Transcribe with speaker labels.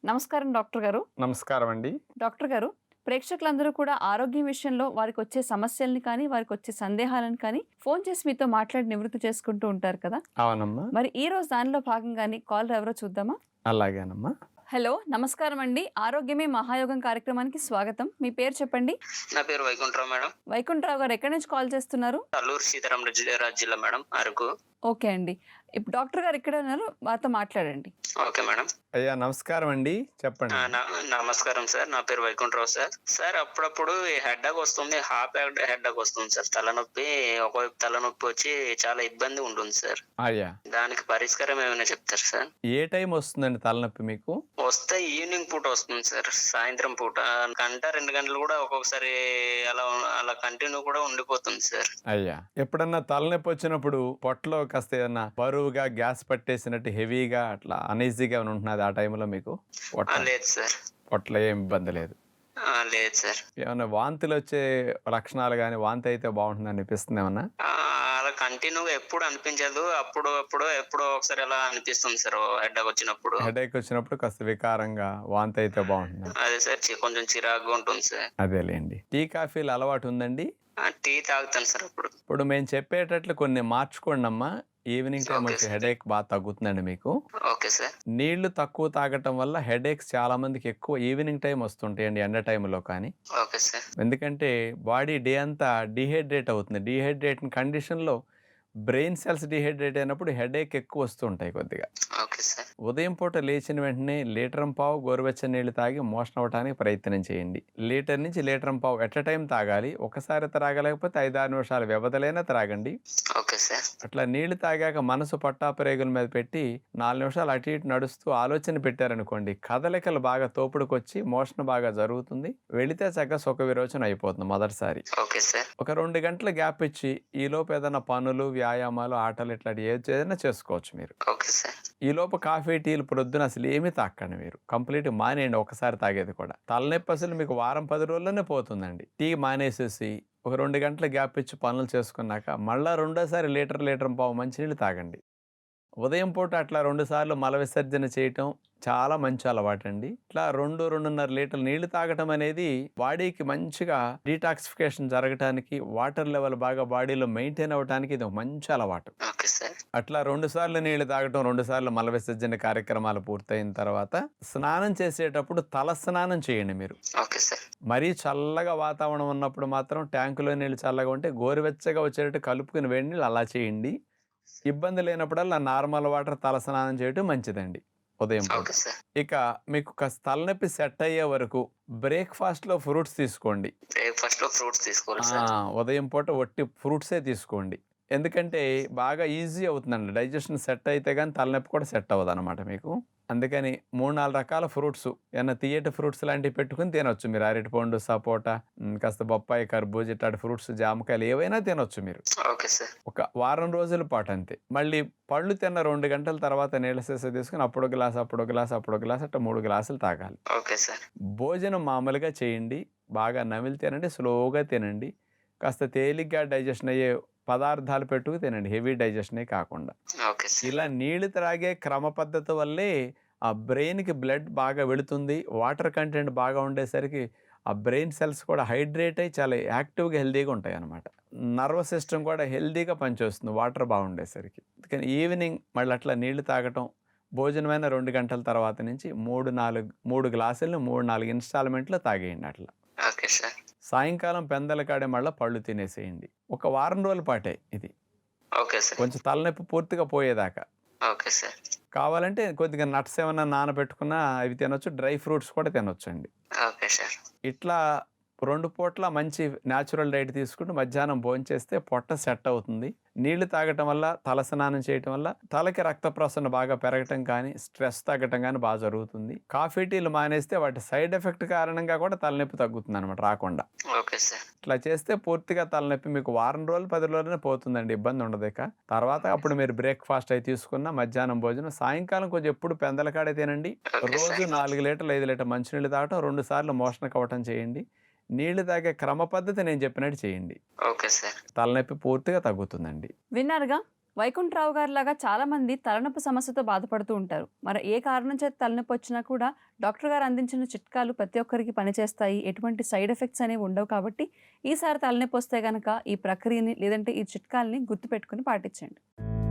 Speaker 1: నమస్కారం డాక్టర్ గారు.
Speaker 2: నమస్కారం అండి.
Speaker 1: డాక్టర్ గారు, ప్రేక్షకులందరూ కూడా ఆరోగ్యం విషయంలో వారికొచ్చే సమస్యల్ని కానీ, వారికొచ్చే సందేహాలను కానీ ఫోను చేసి మీతో మాట్లాడి నివృత్తి చేసుకుంటూ ఉంటారు కదా!
Speaker 2: అవునమ్మా.
Speaker 1: మరి ఈరోజు దానిలో భాగంగానే కాలర్ ఎవరో చూద్దామా?
Speaker 2: అలాగేనమ్మా.
Speaker 1: హలో! నమస్కారం అండి. ఆరోగ్యమే మహాయోగం కార్యక్రమానికి స్వాగతం. మీ పేరు చెప్పండి?
Speaker 3: నా పేరు వైకుంఠరావు మేడం.
Speaker 1: వైకుంఠరావు గారు ఎక్కడి నుంచి కాల్ చేస్తున్నారు?
Speaker 3: అల్లూరు సీతారామరాజు జిల్లా మేడం, అరకు.
Speaker 1: ఓకే అండి. ఇప్పుడు డాక్టర్ గారు ఇక్కడే ఉన్నారు. వారితో మాట్లాడండి.
Speaker 3: Okay madam.
Speaker 2: అయ్యా నమస్కారం అండి. చెప్పండి.
Speaker 3: నమస్కారం సార్. నా పేరు వైకుంఠరావు సార్. సార్ అప్పుడప్పుడు హెడ్ఏక్ వస్తుంది, హెడ్ఏక్ వస్తుంది సార్. తలనొప్పి, ఒకవైపు తలనొప్పి వచ్చి చాలా ఇబ్బంది ఉంటుంది సార్.
Speaker 2: అయ్యా
Speaker 3: దానికి పరిష్కారం ఏమైనా చెప్తారు సార్?
Speaker 2: ఏ టైం వస్తుందండి తలనొప్పి మీకు?
Speaker 3: వస్తే ఈవినింగ్ పూట వస్తుంది సార్. సాయంత్రం పూట గంట 2 గంటలు కూడా ఒక్కొక్కసారి అలా అలా కంటిన్యూ కూడా ఉండిపోతుంది సార్.
Speaker 2: అయ్యా ఎప్పుడన్నా తలనొప్పి వచ్చినప్పుడు పొట్టలో కాస్త ఏదన్నా బరువుగా గ్యాస్ పట్టేసినట్టు హెవీగా అట్లా అనీజీగా ఉంటున్నది ఆ టైంలో మీకు?
Speaker 3: లేదు సార్.
Speaker 2: పొట్టలో ఏం ఇబ్బంది లేదు?
Speaker 3: లేదు సార్.
Speaker 2: ఏమన్నా వాంతులు వచ్చే లక్షణాలు కానీ, వాంతి అయితే బాగుంటుంది అనిపిస్తుంది ఏమన్నా?
Speaker 3: అలా కంటిన్యూగా ఎప్పుడు అనిపించదు. ఎప్పుడో ఒకసారి అలా అనిపిస్తుంది సార్ హెడ్ఏక్ వచ్చినప్పుడు.
Speaker 2: హెడేక్ వచ్చినప్పుడు కాస్త వికారంగా వాంతి అయితే బాగుంటుంది.
Speaker 3: అదే సార్, కొంచెం చిరాకుగా ఉంటుంది సార్.
Speaker 2: అదేలేండి. టీ కాఫీలు అలవాటు ఉందండి?
Speaker 3: టీ తాగుతాను సార్ అప్పుడు.
Speaker 2: ఇప్పుడు మేము చెప్పేటట్లు కొన్ని మార్చుకోండి అమ్మా. ఈవినింగ్ టైం
Speaker 3: ఓకే
Speaker 2: వచ్చి
Speaker 3: సార్.
Speaker 2: హెడేక్ బాగా తగ్గుతుందండి మీకు.
Speaker 3: Okay sir.
Speaker 2: నీళ్లు తక్కువ తాగటం వల్ల హెడేక్స్ చాలా మందికి ఎక్కువ ఈవినింగ్ టైం వస్తుంటాయండి, ఎండ టైంలో కానీ.
Speaker 3: Okay sir.
Speaker 2: ఎందుకంటే బాడీ డే అంతా డీహైడ్రేట్ అవుతుంది. డీహైడ్రేట్ కండిషన్లో బ్రెయిన్ సెల్స్ డీహైడ్రేట్ అయినప్పుడు హెడేక్ ఎక్కువ వస్తుంటాయి కొద్దిగా.
Speaker 3: Okay sir.
Speaker 2: ఉదయం పూట లేచిన వెంటనే లీటరం పావు గోరువెచ్చని నీళ్లు తాగి మోషన్ అవ్వడానికి ప్రయత్నం చేయండి. లీటర్ నుంచి లీటరం పావు ఎట్ టైం తాగాలి. ఒకసారి త్రాగలేకపోతే 5-6 నిమిషాల వ్యవధిలైనా త్రాగండి.
Speaker 3: Okay sir.
Speaker 2: అట్లా నీళ్లు తాగాక మనసు పట్టాపరేగుల మీద పెట్టి 4 నిమిషాలు అటు ఇటు నడుస్తూ ఆలోచన పెట్టారనుకోండి, కదలికలు బాగా తోపుడుకొచ్చి మోషన్ బాగా జరుగుతుంది. వెళితే చక్కగా సుఖ విరోచన అయిపోతుంది మొదటిసారి.
Speaker 3: Okay sir.
Speaker 2: ఒక 2 గంటల గ్యాప్ ఇచ్చి ఈలోపు ఏదైనా పనులు, వ్యాయామాలు, ఆటలు ఇట్లాంటి ఏదైనా చేసుకోవచ్చు మీరు.
Speaker 3: Okay sir.
Speaker 2: ఈలోపు కాఫీ టీలు ప్రొద్దున అసలు ఏమీ తాకండి మీరు. కంప్లీట్ మానేయండి ఒకసారి తాగేది కూడా. తలనొప్పి అసలు మీకు వారం 10 రోజుల్లోనే పోతుందండి. టీ మానేసేసి ఒక 2 గంటల గ్యాప్ ఇచ్చి పనులు చేసుకున్నాక మళ్ళా రెండోసారి లీటర్ పావు మంచినీళ్ళు తాగండి. ఉదయం పూట అట్లా 2 సార్లు మల విసర్జన చేయటం చాలా మంచి అలవాటండి. ఇట్లా 2-2.5 లీటర్ల నీళ్లు తాగటం అనేది బాడీకి మంచిగా డీటాక్సిఫికేషన్ జరగటానికి, వాటర్ లెవెల్ బాగా బాడీలో మెయింటైన్ అవ్వడానికి ఇది ఒక మంచి అలవాటు.
Speaker 3: Okay sir.
Speaker 2: అట్లా 2 సార్లు నీళ్లు తాగటం, 2 సార్లు మల విసర్జన కార్యక్రమాలు పూర్తయిన తర్వాత స్నానం చేసేటప్పుడు తల స్నానం చేయండి మీరు.
Speaker 3: Okay sir.
Speaker 2: మరీ చల్లగా వాతావరణం ఉన్నప్పుడు మాత్రం ట్యాంకులో నీళ్ళు చల్లగా ఉంటే గోరువెచ్చగా వచ్చేటట్టు కలుపుకుని వేడి నీళ్ళు అలా చేయండి. ఇబ్బంది లేనప్పుడల్లా నార్మల్ వాటర్ తల స్నానం చేయటం మంచిదండి ఉదయం పూట.
Speaker 3: Okay sir.
Speaker 2: ఇక మీకు కాస్త తలనొప్పి సెట్ అయ్యే వరకు బ్రేక్ఫాస్ట్లో ఫ్రూట్స్ తీసుకోండి.
Speaker 3: బ్రేక్ఫాస్ట్ లో ఫ్రూట్స్ తీసుకోవాలి సార్.
Speaker 2: ఉదయం పూట ఒట్టి ఫ్రూట్సే తీసుకోండి. ఎందుకంటే బాగా ఈజీ అవుతుందండి. డైజెషన్ సెట్ అయితే కానీ తలనొప్పి కూడా సెట్ అవ్వదు అనమాట మీకు. అందుకని 3-4 రకాల ఫ్రూట్స్, ఏమైనా తీయటి ఫ్రూట్స్ లాంటివి పెట్టుకుని తినొచ్చు మీరు. అరటిపండు, సపోటా, కాస్త బొప్పాయి, కర్బూజా ఇట్లాంటి ఫ్రూట్స్, జామకాయలు ఏవైనా తినొచ్చు మీరు.
Speaker 3: Okay sir.
Speaker 2: ఒక వారం రోజుల పాటు అంతే. మళ్ళీ పళ్ళు తిన్న 2 గంటల తర్వాత నీళ్ళ సీసా తీసుకుని అప్పుడు గ్లాస్ అట్లా 3 గ్లాసులు తాగాలి.
Speaker 3: Okay sir.
Speaker 2: భోజనం మామూలుగా చేయండి. బాగా నమిలి తినండి, స్లోగా తినండి. కాస్త తేలిగ్గా డైజెషన్ అయ్యే పదార్థాలు పెట్టుకు తినండి, హెవీ డైజెషనే కాకుండా.
Speaker 3: Okay sir.
Speaker 2: ఇలా నీళ్లు త్రాగే క్రమ పద్ధతి వల్లే ఆ బ్రెయిన్కి బ్లడ్ బాగా వెళుతుంది. వాటర్ కంటెంట్ బాగా ఉండేసరికి ఆ బ్రెయిన్ సెల్స్ కూడా హైడ్రేట్ అయ్యి చాలా యాక్టివ్గా, హెల్దీగా ఉంటాయి అన్నమాట. నర్వస్ సిస్టమ్ కూడా హెల్దీగా పనిచేస్తుంది వాటర్ బాగుండేసరికి. అందుకని ఈవినింగ్ మళ్ళీ అట్లా నీళ్లు తాగటం, భోజనమైన 2 గంటల తర్వాత నుంచి 3 గ్లాసులను 3-4 ఇన్స్టాల్మెంట్లో తాగేయండి అట్లా.
Speaker 3: Okay sir.
Speaker 2: సాయంకాలం పెందల కాడే మళ్ళీ పళ్ళు తినేసేయండి. ఒక వారం రోజుల పాటే ఇది.
Speaker 3: Okay sir.
Speaker 2: కొంచెం తలనొప్పి పూర్తిగా పోయేదాకా.
Speaker 3: Okay sir.
Speaker 2: కావాలంటే కొద్దిగా నట్స్ ఏమన్నా నానబెట్టుకున్నా అవి తినొచ్చు. డ్రై ఫ్రూట్స్ కూడా తినొచ్చండి.
Speaker 3: Okay sir.
Speaker 2: ఇట్లా 2 పూట్ల మంచి న్యాచురల్ డైట్ తీసుకుంటూ మధ్యాహ్నం భోంచేస్తే పొట్ట సెట్ అవుతుంది. నీళ్లు తాగటం వల్ల, తల స్నానం చేయటం వల్ల తలకి రక్త ప్రసరణ బాగా పెరగటం కానీ, స్ట్రెస్ తగ్గటం కానీ బాగా జరుగుతుంది. కాఫీ టీలు మానేస్తే వాటి సైడ్ ఎఫెక్ట్ కారణంగా కూడా తలనొప్పి తగ్గుతుంది అనమాట రాకుండా.
Speaker 3: Okay sir.
Speaker 2: ఇట్లా చేస్తే పూర్తిగా తలనొప్పి మీకు వారం రోజులు 10 రోజులనే పోతుందండి, ఇబ్బంది ఉండదు. ఇక తర్వాత అప్పుడు మీరు బ్రేక్ఫాస్ట్ అయి తీసుకున్న, మధ్యాహ్నం భోజనం, సాయంకాలం కొంచెం ఎప్పుడు పెందలకాడే తినండి. రోజు 4 లీటర్లు 5 లీటర్ మంచినీళ్ళు తాగటం, 2 సార్లు మోషన్ కవ్వటం చేయండి. నీళ్లు తాగే క్రమ పద్ధతి నేను చెప్పినట్టు చేయండి.
Speaker 3: Okay sir.
Speaker 2: తలనొప్పి పూర్తిగా తగ్గుతుందండి.
Speaker 1: విన్నారుగా? వైకుంఠరావు గారి లాగా చాలా మంది తలనొప్పి సమస్యతో బాధపడుతూ ఉంటారు. మరి ఏ కారణం చేత తలనొప్పి వచ్చినా కూడా డాక్టర్ గారు అందించిన చిట్కాలు ప్రతి ఒక్కరికి పనిచేస్తాయి. ఎటువంటి సైడ్ ఎఫెక్ట్స్ అనేవి ఉండవు. కాబట్టి ఈసారి తలనొప్పి వస్తే గనక ఈ ప్రక్రియని లేదంటే ఈ చిట్కాలని గుర్తుపెట్టుకొని పాటించండి.